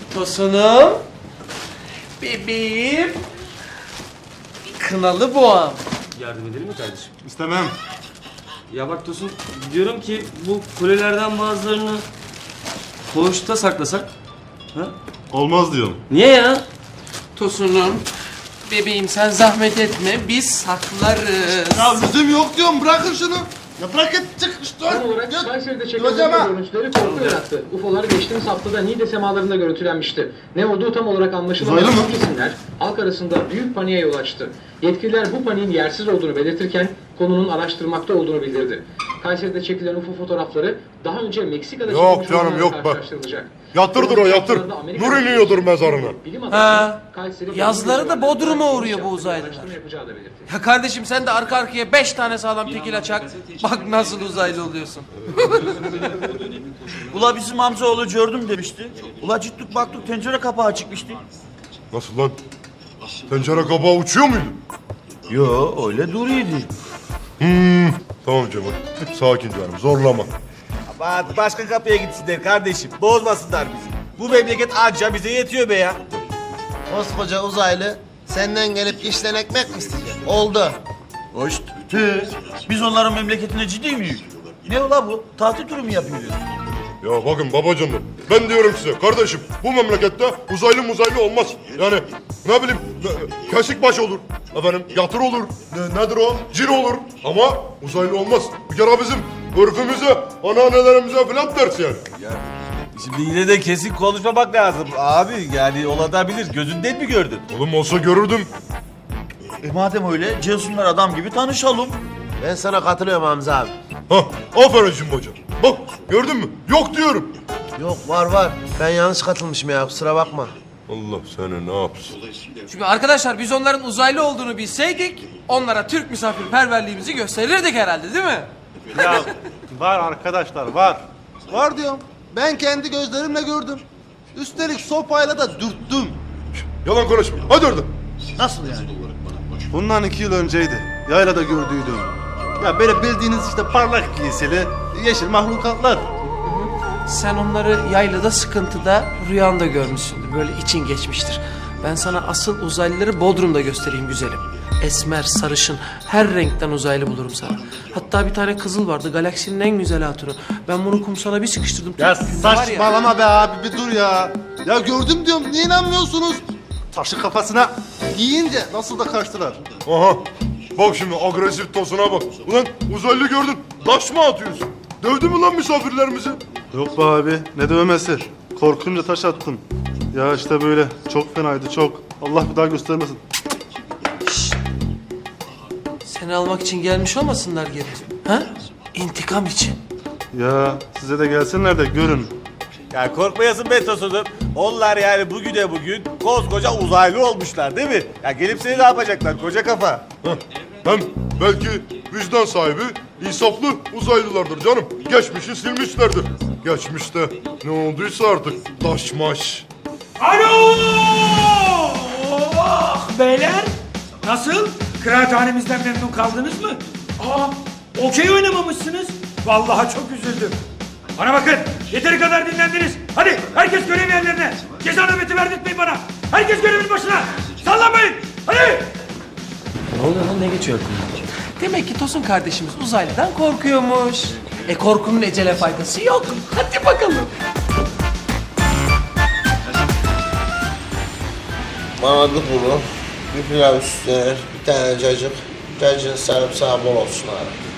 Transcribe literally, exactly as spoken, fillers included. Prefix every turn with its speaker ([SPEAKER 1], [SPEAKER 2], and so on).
[SPEAKER 1] Tosunum. Bebeğim. Kınalı boğam.
[SPEAKER 2] Yardım edelim mi kardeşim?
[SPEAKER 3] İstemem.
[SPEAKER 2] Ya bak Tosun, diyorum ki bu kulelerden bazılarını koğuşta saklasak. Ha?
[SPEAKER 3] Olmaz diyorum.
[SPEAKER 2] Niye ya?
[SPEAKER 1] Tosunum. Bebeğim sen zahmet etme. Biz saklarız.
[SPEAKER 3] Ya lüzum yok diyorum. Bırakın şunu. Ya bırak et çık işte.
[SPEAKER 4] Son olarak Kayseri'de çekilen
[SPEAKER 3] Hocam ha.
[SPEAKER 4] görüntüleri korku yarattı. U F O'lar geçtiğimiz haftada Niğde semalarında görüntülenmişti. Ne olduğu tam olarak anlaşılamayan
[SPEAKER 3] Uzaylı mı?
[SPEAKER 4] bu isimler halk arasında büyük paniğe yol açtı. Yetkililer bu paniğin yersiz olduğunu belirtirken konunun araştırmakta olduğunu bildirdi. Kayseri'de çekilen U F O fotoğrafları daha önce Meksika'da
[SPEAKER 5] Yok
[SPEAKER 4] çekilmiş
[SPEAKER 5] canım,
[SPEAKER 4] olanlarla
[SPEAKER 5] yok bak.
[SPEAKER 4] karşılaştırılacak.
[SPEAKER 5] Yatırdır o, yatır. Nur iniyordur mezarına.
[SPEAKER 4] Bilim
[SPEAKER 1] Ha,
[SPEAKER 4] adamları Kayseri
[SPEAKER 1] yazları da Bodrum'a
[SPEAKER 4] Geniş
[SPEAKER 1] uğruyor bu
[SPEAKER 4] çaplı bir
[SPEAKER 1] uzaylılar.
[SPEAKER 4] araştırma yapacağı da belirtildi.
[SPEAKER 1] Ya kardeşim sen de arka arkaya beş tane sağlam tekil açak. Bak nasıl uzaylı oluyorsun.
[SPEAKER 6] Ula bizim amcaoğlu gördüm demişti. Ula gittik baktık tencere kapağı çıkmıştı.
[SPEAKER 5] Nasıl lan? Tencere kabağı uçuyor muydu?
[SPEAKER 6] Yo öyle duruyordu.
[SPEAKER 5] Hmm. Tamam Cemal. Sakin canım, zorlama.
[SPEAKER 7] Bak başka kapıya gitsinler kardeşim. Bozmasınlar bizi. Bu memleket anca bize yetiyor be ya.
[SPEAKER 8] Koskoca uzaylı senden gelip işten ekmek mi isteyecek? Oldu.
[SPEAKER 6] Hoş. Tı. Biz onların memleketine ciddi miyiz? Ne ula bu? Tatil turu mu yapıyoruz?
[SPEAKER 5] Ya bakın babacanlar, ben diyorum size kardeşim, bu memlekette uzaylı muzaylı olmaz. Yani ne bileyim, ne- kesik baş olur, efendim yatır olur, ne, nedir o, cin olur ama uzaylı olmaz. Bir kere bizim örfümüze, anneannelerimize falan ters yani.
[SPEAKER 7] Şimdi yine de kesin konuşmamak lazım. Abi yani olabilir. Gözünden mi gördün?
[SPEAKER 5] Oğlum olsa görürdüm.
[SPEAKER 6] E madem öyle Cesunlar adam gibi tanışalım.
[SPEAKER 8] Ben sana katılıyorum Hamza abi.
[SPEAKER 5] Hah, aferin Cimboca. Bak gördün mü? Yok diyorum.
[SPEAKER 8] Yok var var. Ben yanlış katılmışım ya kusura bakma.
[SPEAKER 5] Allah seni ne yapsın?
[SPEAKER 1] Çünkü arkadaşlar biz onların uzaylı olduğunu bilseydik onlara Türk misafirperverliğimizi gösterirdik herhalde değil mi?
[SPEAKER 3] Ya var arkadaşlar var.
[SPEAKER 8] Var diyorum. Ben kendi gözlerimle gördüm. Üstelik sopayla da dürttüm.
[SPEAKER 5] Yalan konuşma. Hadi orada.
[SPEAKER 8] Nasıl yani?
[SPEAKER 3] Bundan iki yıl önceydi. Yaylada gördüydüm. Ya böyle bildiğiniz işte parlak giysili yeşil mahlukatlar.
[SPEAKER 1] Sen onları yaylada sıkıntıda rüyanda görmüşsündür. Böyle için geçmiştir. Ben sana asıl uzaylıları Bodrum'da göstereyim güzelim. Esmer, sarışın, her renkten uzaylı bulurum sana. Hatta bir tane kızıl vardı, galaksinin en güzel hatunu. Ben bunu kumsala bir sıkıştırdım.
[SPEAKER 3] Ya
[SPEAKER 1] Türk var ya.
[SPEAKER 3] saçmalama be abi bir dur ya. Ya gördüm diyorum niye inanmıyorsunuz? Taşı kafasına giyince nasıl da kaçtılar.
[SPEAKER 5] Aha. Bak şimdi agresif tosuna bak. Ulan uzaylı gördün. Taş mı atıyorsun? Dövdü mü lan misafirlerimizi?
[SPEAKER 3] Yok be abi ne dövmesi. Korkunca taş attım. Ya işte böyle çok fenaydı çok. Allah bir daha göstermesin.
[SPEAKER 1] Seni almak için gelmiş olmasınlar geri. Ha? İntikam için.
[SPEAKER 3] Ya size de gelsinler de görün.
[SPEAKER 7] Ya korkmayasın be Tosun'um. Onlar yani bugüne bugün koskoca uzaylı olmuşlar değil mi? Ya gelip seni ne yapacaklar koca kafa?
[SPEAKER 5] Heh. Hem belki vicdan sahibi, insaflı uzaylılardır canım. Geçmişi silmişlerdir. Geçmişte ne olduysa artık taşmaş.
[SPEAKER 9] Alo! Oh, beyler! Nasıl? Kıraathanemizden memnun kaldınız mı? Aa, okey oynamamışsınız. Vallahi çok üzüldüm. Bana bakın, yeteri kadar dinlendiniz. Hadi herkes görev yerlerine. Ceza nöbeti verdirtmeyin bana. Herkes görevin başına. Sallanmayın. Hadi!
[SPEAKER 2] Ne oluyor lan, ne geçiyor aklımdan?
[SPEAKER 1] Demek ki Tosun kardeşimiz uzaylıdan korkuyormuş. E korkunun ecele faydası yok. Hadi bakalım.
[SPEAKER 8] Bana da bunu. Bir pilav üstüne bir tane cacık. Cacığın sarımsağı bol olsun abi.